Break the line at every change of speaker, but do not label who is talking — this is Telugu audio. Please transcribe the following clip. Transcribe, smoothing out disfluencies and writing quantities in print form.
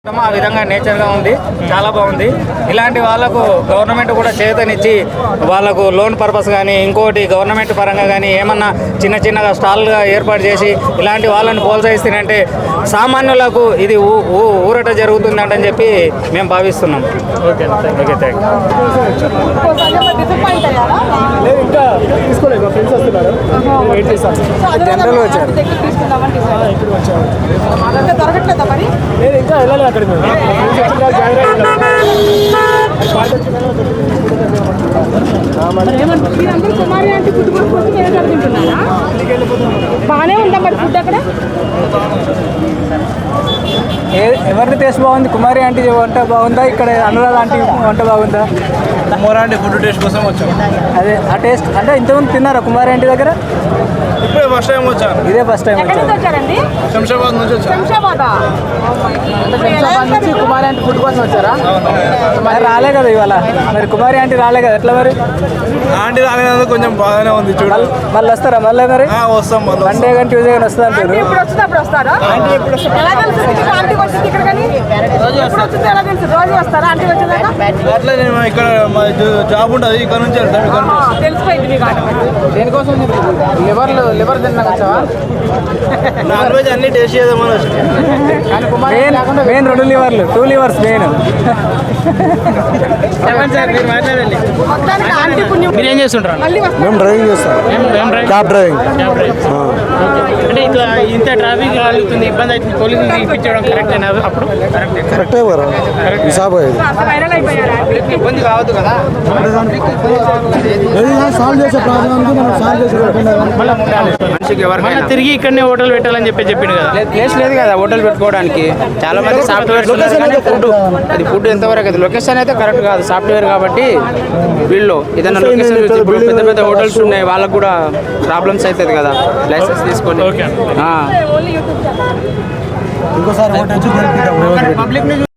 ఆ విధంగా నేచర్గా ఉంది, చాలా బాగుంది. ఇలాంటి వాళ్ళకు గవర్నమెంట్ కూడా చేతనిచ్చి వాళ్ళకు లోన్ పర్పస్ కానీ ఇంకోటి గవర్నమెంట్ పరంగా కానీ ఏమన్నా చిన్నగా స్టాల్గా ఏర్పాటు చేసి ఇలాంటి వాళ్ళని ప్రోత్సహిస్తుందంటే సామాన్యులకు ఇది ఊరట జరుగుతుందంటని చెప్పి మేము భావిస్తున్నాం. ఓకే థ్యాంక్
బాగానే ఉందా మరి ఫుడ్ అక్కడ?
ఎవరిది టేస్ట్ బాగుంది? కుమారి ఆంటీ వంట బాగుందా, ఇక్కడ అనురాధ ఆంటీ వంట బాగుందా?
కుమారి ఆంటీ ఫుడ్ టేస్ట్ కోసం వచ్చాం.
అదే ఆ టేస్ట్ అంటే ఇంతకుముందు తిన్నారా కుమారి ఆంటీ దగ్గర?
ఇప్పుడే ఫస్ట్ టైం వచ్చాను.
ఇదే ఫస్ట్ టైం
వచ్చారండి?
శంషాబాద్ నుంచి వచ్చాను.
శంషాబాద్
నుంచి కుమారి ఆంటీ ఫుడ్ కోసం వచ్చారా? మరి రాలే కదా ఇవాళ, మరి కుమారి ఆంటీ రాలే కదా, ఎట్లా మరి?
ఆంటీ రాలేదందుకు కొంచెం బాగానే ఉంది. చూడాలి
మళ్ళీ వస్తారా? మళ్ళీ మరి
వస్తాం.
మండే కానీ ట్యూస్డే కానీ వస్తుంది అంటారు.
ఇప్పుడు వచ్చింది అప్పుడు వస్తారా? ఎలా తెలుసు ఆంటీ వచ్చింది ఇక్కడ? కానీ రోజు వచ్చింది ఎలా తెలుసు? రోజు వస్తారా ఆంటీ వచ్చేదాకా?
అట్లా నేను ఇక్కడ మా జాబ్ ఉంటుంది, ఇక్కడ నుంచి వెళ్తాం. ఇక్కడ
తెలిసిపోయింది మీకు ఆట.
దేనికోసం లివర్ తిన్నా వచ్చావా?
నాన్ వెజ్ అన్ని టేస్ట్ చేద్దామని వచ్చాను.
మెయిన్ 2 లివర్లు, 2 లివర్స్ మెయిన్.
మొత్తానికి ఆంటీ పుణ్యం.
మీరు ఏం చేస్తుంటారు?
మళ్ళీ వస్తారు.
మేము డ్రైవింగ్ చేస్తాం, క్యాబ్ డ్రైవింగ్.
అంటే ఇట్లా ఇంత ట్రాఫిక్ కలుగుతుంది, ఇబ్బంది అవుతుంది, పోలీసులు పిలిపించడం కరెక్ట్ అయినా? అప్పుడు
కరెక్టే బరా హిసాబ్ అయ్యేది.
వైరల్ అయిపోయారు ఆంటీ.
ఇబ్బంది కావద్దు కదా.
సాల్వ్ చేసే ప్రాబ్లమ్కి మనం సాల్వ్ చేసే
మళ్ళీ తిరిగి ఇక్కడనే హోటల్ పెట్టాలని చెప్పిండు కదా.
ప్లేస్ లేదు కదా హోటల్ పెట్టుకోవడానికి. చాలా మంది సాఫ్ట్వేర్ ఫుడ్, అది ఫుడ్ ఎంతవరకు అయితే లొకేషన్ అయితే కరెక్ట్ కాదు, సాఫ్ట్వేర్ కాబట్టి వీళ్ళు ఏదైనా లొకేషన్ ఇప్పుడు పెద్ద పెద్ద హోటల్స్ ఉన్నాయి, వాళ్ళకు కూడా ప్రాబ్లమ్స్ అవుతుంది కదా లైసెన్స్ తీసుకొని.
ఇంకోసారి